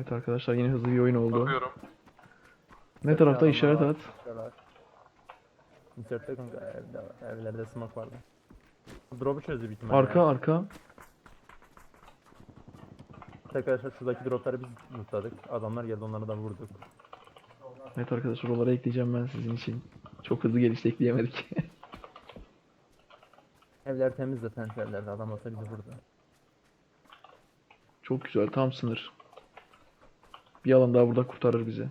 Evet arkadaşlar yine hızlı bir oyun oldu. Bakıyorum. Ne tarafta işaret at. Insert'te kanka evde var. Evlerde smoke vardı. Drop'u çözdü büyük ihtimalle Arka ya. arka. Arkadaşlar şuradaki dropları biz mutladık. Adamlar geldi, onları da vurduk. Evet arkadaşlar oralara ekleyeceğim ben sizin için. Çok hızlı gelişti, ekleyemedik. Evler temiz zaten, şu evlerde adam olsa bizi vurdu. Çok güzel, tam sınır. Bir alan daha burada kurtarır bizi.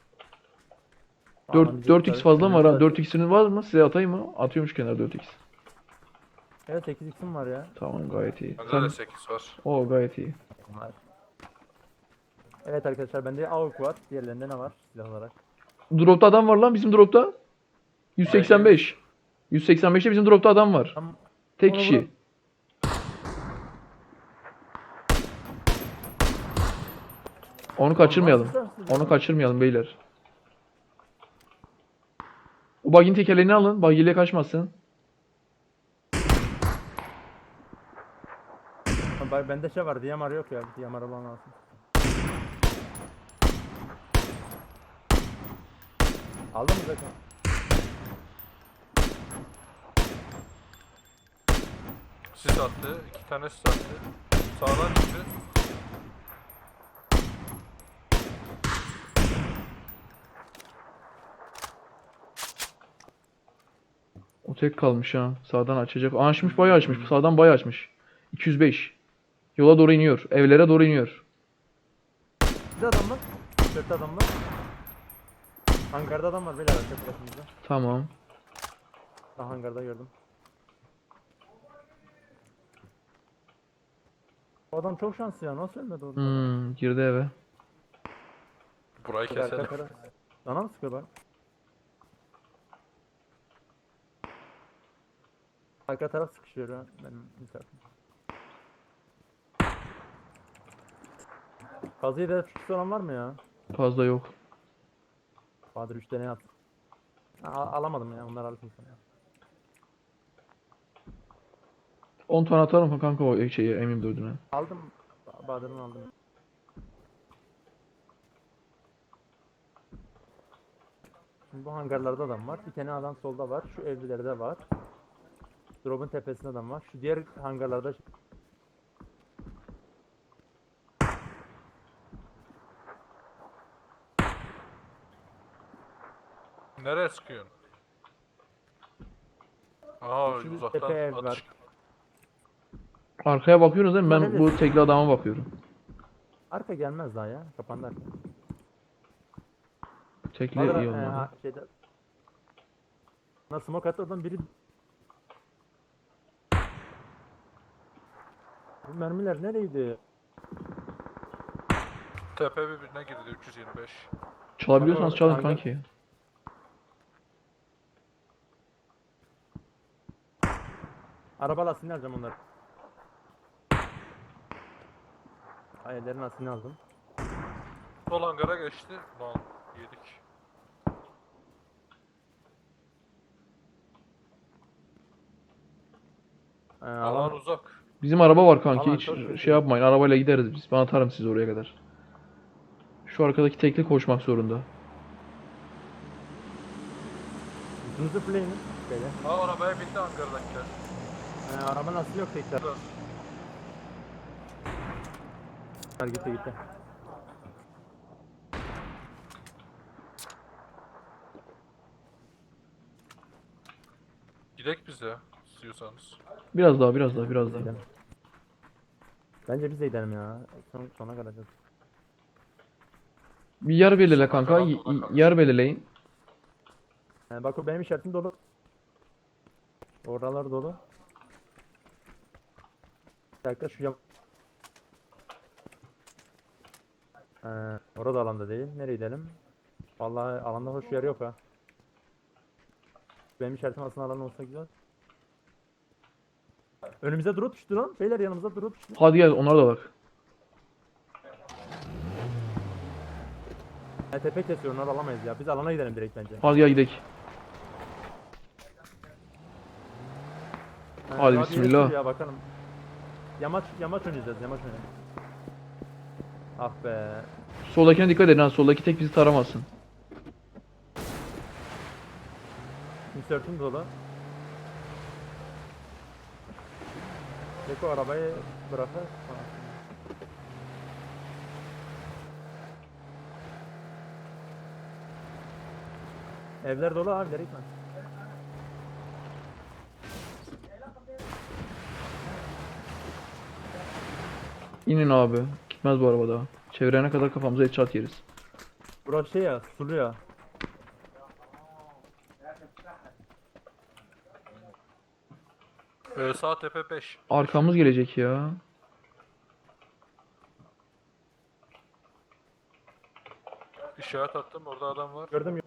Alan bizi 4x kurtarır. fazla mı var ha? Önümüzde- 4x'iniz var mı? Size atayım mı? Atıyormuş kenara 4x. Evet 8x'im var ya. Tamam gayet iyi. Bende Sen... de 8 var. O gayet iyi. Var. Evet arkadaşlar bende AUK var. Diğerlerinde ne var silah olarak? Dropta adam var lan bizim dropta. 185. 185'te bizim dropta adam var. Tam Tek Onu kişi. vurun. Onu kaçırmayalım. Onu kaçırmayalım beyler. O bug'in tekerleğini alın. Bug ile kaçmasın. Bende şey var, DMR yok ya. DMR olan lazım. Aldın mı zaten? Sis attı. 2 tane sis attı. Sağdan çıktı. O tek kalmış ha. Sağdan açacak. Aa, açmış bayağı açmış. Sağdan bayağı açmış. 205. Yola doğru iniyor. Evlere doğru iniyor. Bir adam var. 4 adam var. Hangarda adam var beyler, arka tarafımızda. Tamam. Ben hangarda gördüm. O adam çok şanslı ya, nasıl ölmedi orada? Girdi eve. Burayı Arka keselim. taraf. Bana mı sıkıyorlar? Arka taraf sıkışıyor ha benim bir tarafım. Kazıyı da çıkış olan var mı ya? Fazla yok. Bahadır 3 tane at. Alamadım ya, onlar alırsın sana ya. 10 tane atarım mı kanka o şeyi M24'üne. Aldım. Bahadır'ın aldım. Şimdi bu hangarlarda adam var. Bir tane adam solda var. Şu evlilerde var. Drop'un tepesinde adam var. Şu diğer hangarlarda Nereye sıkıyorsun? Aa şu uzaktan tepe ev atış. var. Arkaya bakıyorsunuz değil mi? Ben Nerede? bu tekli adama bakıyorum. Arka gelmez daha ya. Kapandı arka. Tekli Bahadır, iyi olmadı. şeyde... Nasıl smoke attı oradan biri... Bu mermiler nereydi? Tepe birbirine girdi 325. Çalabiliyorsanız çalın Hangar- kanki. Araba lastiğini alacağım onları. Hayallerin lastiğini aldım. Sol hangara geçti. Lan yedik. Alan Alan uzak. Bizim araba var kanki. Alan Hiç çok kötü. şey yapmayın. Arabayla gideriz biz. Ben atarım sizi oraya kadar. Şu arkadaki tekli koşmak zorunda. hızlı play'ini. Böyle. Aa arabaya bindi hangardakiler. Araba lastiği yok tekrar. Gitti gitti. Gidek biz ya istiyorsanız. Biraz daha, biraz daha, biraz daha. Gidelim. Bence biz de gidelim ya. Sona kalacağız. Bir yer belirle kanka. Bakalım, bakalım. Yer belirleyin. Bak o benim işaretim dolu. Oralar dolu. Bir dakika şu yam... Orada alanda değil. Nereye gidelim? Vallahi alanda hoş yer yok ha. Benim işaretim aslında alan olsa güzel. Önümüze drone düştü lan. Beyler yanımıza drone düştü. Hadi gel onlara da bak. Tepe kesiyor, onları alamayız ya. Biz alana gidelim direkt bence. Hadi gel gidelim. Hadi radyo bismillah. yeşil ya, bakalım. Yamaç oynayacağız, yamaç oynayacağız. Ah be. Soldakine dikkat edin ha. Soldaki tek bizi taramasın. Insert'üm dolu. Beko arabayı bırakır. Evler dolu abi, direkt lan. İnin abi. Gitmez bu araba daha. Çevirene kadar kafamıza headshot yeriz. Burası şey ya, sulu ya. Sağ tepe 5. Arkamız gelecek ya. İşaret attım, orada adam var. Gördüm.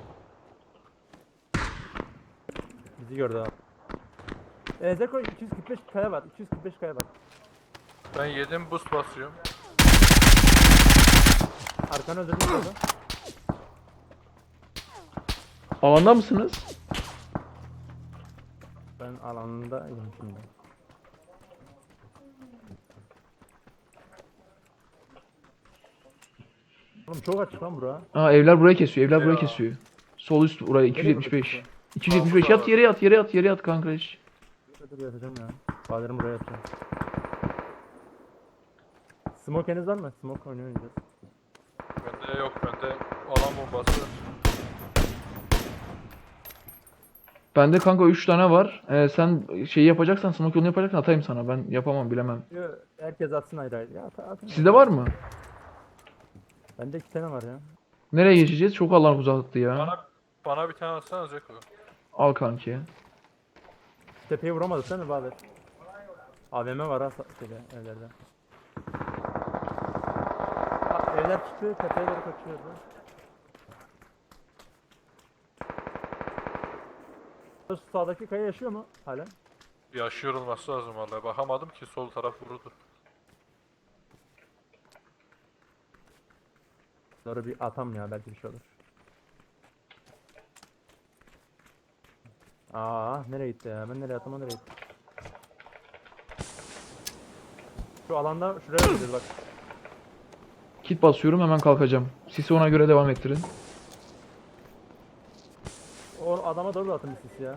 Bizi gördü abi. Zeko 245 kaya var. 245 kaya var. Ben yedim, boost basıyorum. Arkanı öldürdüm orada. Alanda mısınız? Ben alanındayım şimdi. Oğlum çok açık lan bura. Aa, evler buraya kesiyor. Evler buraya Ya. kesiyor. Sol üst buraya Nereye 275. bakıyorsun? 275 yat yere yat yere yat yere yat kanka hiç. Dur yatacağım ya. Bahadarım buraya yatacağım. Smoke'eniz var mı? Smoke oynayacağız. Bende yok, bende alan bombası. Bende kanka 3 tane var. Sen şeyi yapacaksan, smoke yolunu yapacaksan atayım sana. Ben yapamam, bilemem. Yo, herkes atsın ayrı ayrı. Ya atın. Sizde var mı? Bende 2 tane var ya. Nereye geçeceğiz? Çok Allah uzattı ya. Bana bir tane atsana Zeko. Al kanki. Tepeye vuramadık sen mi Bahadır? AVM var ha şeyde, evlerde. Evler çıktı, tepeye doğru kaçıyordu. Şu sağdaki kaya yaşıyor mu hala? Yaşıyor olması lazım vallahi. Bakamadım ki, sol taraf vurudu. Doğru bir atam ya, belki bir şey olur. Nereye gitti ya? Ben nereye attım, o nereye gitti? Şu alanda şuraya gidiyoruz bak. Kit basıyorum, hemen kalkacağım. Sisi ona göre devam ettirin. O adama doğru da atın bir sis ya.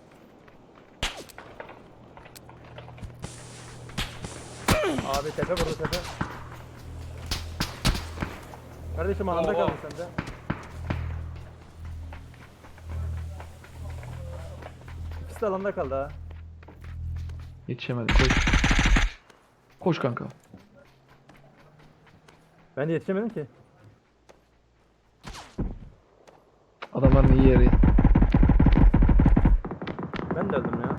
Abi tepe burada, tepe. Kardeşim alanda Oha. kaldın sen de. İkisi de alanda kaldı ha. Yetişemedim. Koş. Koş kanka. Ben de yetişemedim ki. Adamların iyi yeri. Ben de öldüm ya.